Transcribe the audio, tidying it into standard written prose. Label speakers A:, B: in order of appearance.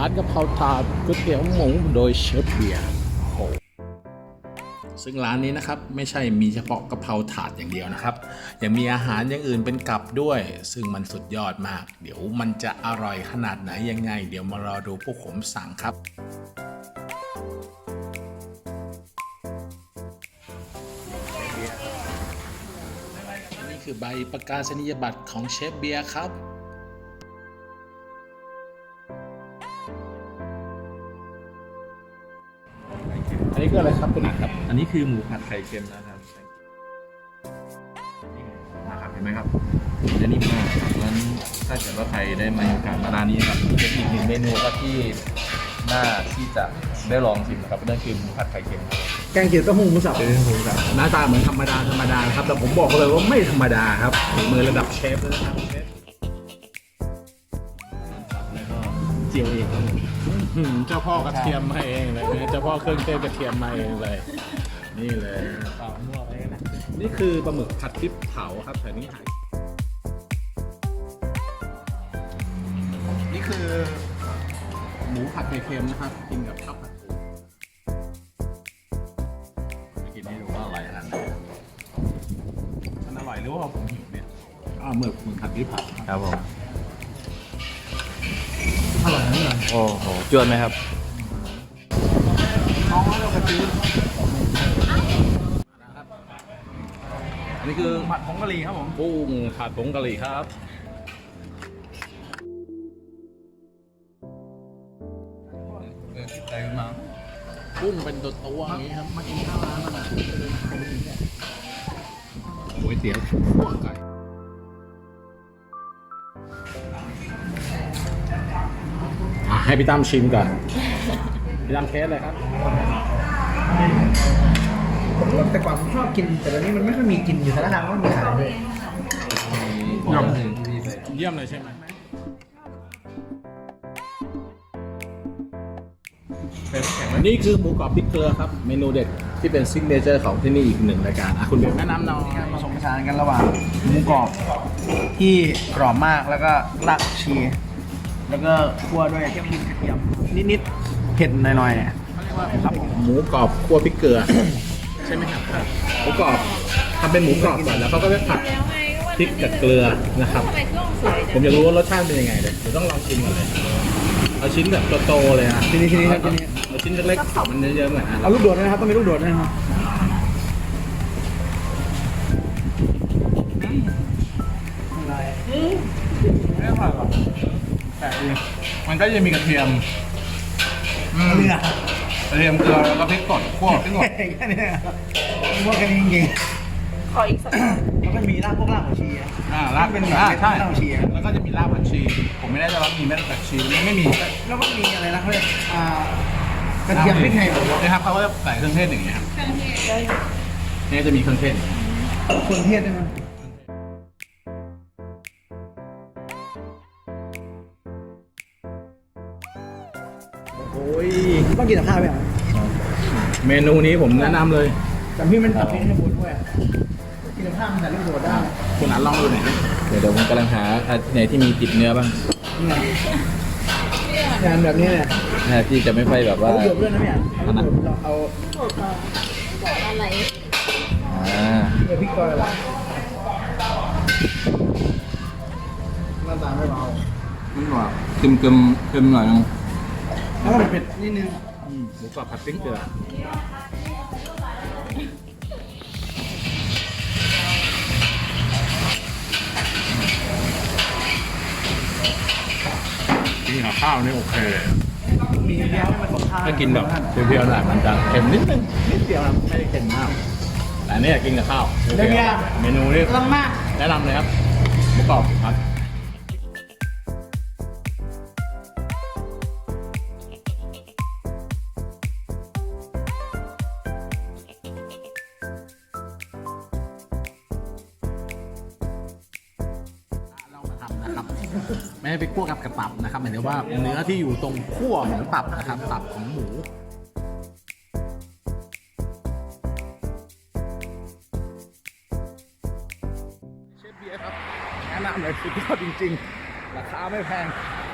A: านกะเพราถาดก๋วยเตี๋ยวหมูโดยเชฟเบียร์ซึ่งร้านนี้นะครับไม่ใช่มีเฉพาะกะเพราถาดอย่างเดียวนะครับยังมีอาหารอย่างอื่นเป็นกับด้วย ซึ่งมันสุดยอดมากเดี๋ยวมันจะอร่อยขนาดไหนยังไงเดี๋ยวมารอดูพวกผมสั่งครับนี่คือใบประกาศนียบัตรของเชฟเบียร์ครับอันนี้คืออะไรครับคุณอัดครับ
B: อันนี้คือหมูผัดไข่เค็มนะครับนะครับเห็นไหมครับจะนิ่มมากงั้นถ้าเกิดว่าใครได้มาโอกาสมาร้านนี้ครับเป็นอีกหนึ่งเมนูครับที่น่าที่จะได้ลองชิมนะครับนั่นคือหมูผัดไข่เค็มครับ
A: แกงเขียวเต้าหู้หมูสับหน้าตาเหมือนธรรมดานะครับแต่ผมบอกเลยว่าไม่ธรรมดาครับมือระดับเชฟเลยนะครับ
B: เจียวเองครับ
A: เจ้าพ่อกระเทียมมาเองเลยเจ้าพ่อเครื่องเทศกระเทียมมาเองเลยนี่เลย
B: เปล่ามั่วไปกันนะ
A: นี่คือปลาหมึกผัดพริกเผาครับแต่นี่หายนี่คือหมูผัดไข่เค็มนะครับกินกับข้าวผัดปู
B: ไปกินให้ดูว่าอร่อยขนาดไหนมันอร่อยหรือว่าผมหิวเนี่ย
A: หมึกผัดพริกเผา
B: ครับผม
A: อร่อยนะ
B: โอ้โหจวนไหมครับ
A: น้องเรากระชื้นอันนี้คือ
B: ผัดผงกะหรี่ครับผม
A: กุ้งผัดผงกะหรี่ครับ
B: ใส่ขึ้นมา
A: กุ้งเป็นตัวอย่างนี้ครับมากินข้าวร้านมันก๋วยเตี๋ยวขั่วไก่ให้พี่ตั้มชิมก่อนพี่ตั้มเทสเลยครับ
C: แต่ก่อนผมชอบกินแต่ตอนนี้มันไม่ค่อยมีกินอยู่สารคามก็มีขายเลย
A: เยี่ยมเลยใช่ไหมนี่คือหมูกรอบพริกเกลือครับเมนูเด็ดที่เป็นซิกเนเจอร์ของที่นี่อีกหนึ่งรายการคุณเบลแนะนำหน่อย
C: ผสมผสานกันระหว่างหมูกรอบที่กรอบมากแล้วก็รากชีแล้วก็คั่วด้วยกระเทียมนิดๆเผ็ดหน่อยๆ
A: ครับหมูกรอบคั่วพริกเกลือใช่ไหมครับหมูกรอบทำเป็นหมูกรอบก่อนแล้วเขาก็ไปผัดพริกกับเกลือนะครับผมอยากรู้ว่ารสชาติเป็นยังไงเลยเดี๋ยวต้องลองชิมก่อนเลยเอาชิ้นแบบโตๆเลยนะ
C: ทีนี้ครับทีนี้
A: เอาชิ้นเล็กๆมันเยอะๆหน่อย
C: เอาลูกโดดนะครับต้องมีลูกโดดนะครับ
A: ไม่ผ่านหรอกแต่มันก็จะมีกระเทียม
C: เลือด
A: กระเทียมเกลือแล้วก็พริกสดคั่วพริกสด
C: แค่นี้พวกกันจริง
D: ขออีกสัก
C: แล้วก็มีรากพวกรากผักชี
A: ราก
C: เป็น
A: ใช่
C: รากผักชี
A: แล้วก็จะมีรากผักชีผมไม่แน่ใจว่ามีเม็ดผักชีไม่มี
C: แล้วก็มีอะไรนะเขาเรียกกระเทียมพริกไทย
A: นะครับเขาก็จะใส่เครื่องเทศอย่างเงี้ยครับนี่จะมีเครื่องเทศ
C: เครื่องเทศได้ไหม
A: โอ้ย
C: ต้องกินกับข้าวไหมครับ
A: เมนูนี้ผมแนะนำเลย
C: แต่พี่มันตัดเป็นให้หมดด้วยกินกับข้าวมันแต่ลูกโดดได้
A: คุณอันลองดูหน่อย
B: เดี๋ยวผมกำลังหาไหนที่มีติดเนื้อบ้าง
C: งานแบบนี้เนี่ย
B: ที่จะไม่ค่อยแบบว่า
C: ลูกโดดด้วยนะเนี่ยเราเอา
D: อะไร
C: พริกซอยอะไรหน้าตาไม่เบา
B: ไม่หวานเค็มหน่อยนึง
C: แล้วก็เผ็ดนิดนึง
A: หมูกรอบผัดพริกเกลือกินกับข้าวนี่โอเค
C: มีเดียวมันของข้าว
A: ถ้ากินแบบเปรี้ยวๆหน่อยมันจะเค็มนิดนึงนิดเดียวครับไม่ได้เค็มมากแต่นี่กินกับข้าวเมนูนี้แนะนำเลยครับหมูกรอบครับไม่ให้ไปคั่วกับกระตับนะครับหมายถึงว่าเนื้อที่อยู่ตรงขั้วของตับนะครับตับของหมูเชฟเบียร์ครับแนะนำเลยสุดยอดจริงๆราคาไม่แพง